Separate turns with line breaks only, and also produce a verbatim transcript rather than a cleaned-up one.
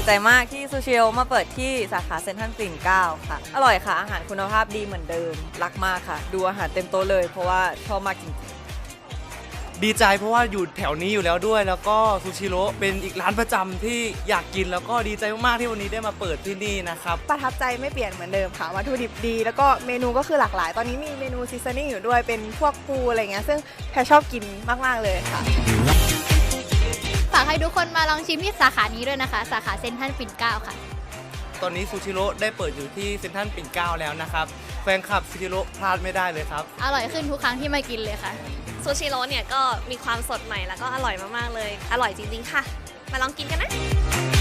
ใจมากที่ซูชิโร่มาเปิดที่สาขาเซ็นทรัลปิ่นเกล้าค่ะอร่อยค่ะอาหารคุณภาพดีเหมือนเดิมรักมากค่ะดูอาหารเต็มโต๊ะเลยเพราะว่าชอบมากจริง
ดีใจเพราะว่าอยู่แถวนี้อยู่แล้วด้วยแล้วก็ซูชิโร่เป็นอีกร้านประจำที่อยากกินแล้วก็ดีใจมากๆที่วันนี้ได้มาเปิดที่นี่นะครับ
ประทับใจไม่เปลี่ยนเหมือนเดิมค่ะวัตถุดิบดีแล้วก็เมนูก็คือหลากหลายตอนนี้มีเมนูซีซันนิ่งอยู่ด้วยเป็นพวกปูอะไรเงี้ยซึ่งแพรชอบกินมากๆเลยค่ะ
ฝากให้ทุกคนมาลองชิมที่สาขานี้ด้วยนะคะสาขาเซ็นทรัลปิ่นเกล้าค่ะ
ตอนนี้ซูชิโร่ได้เปิดอยู่ที่เซ็นทรัลปิ่นเกล้าแล้วนะครับแฟนคลับซูชิโร่พลาดไม่ได้เลยครับ
อร่อยขึ้นทุกครั้งที่มากินเลยค่ะ
ซูชิโร่เนี่ยก็มีความสดใหม่แล้วก็อร่อยมากๆเลยอร่อยจริงๆค่ะมาลองกินกันนะ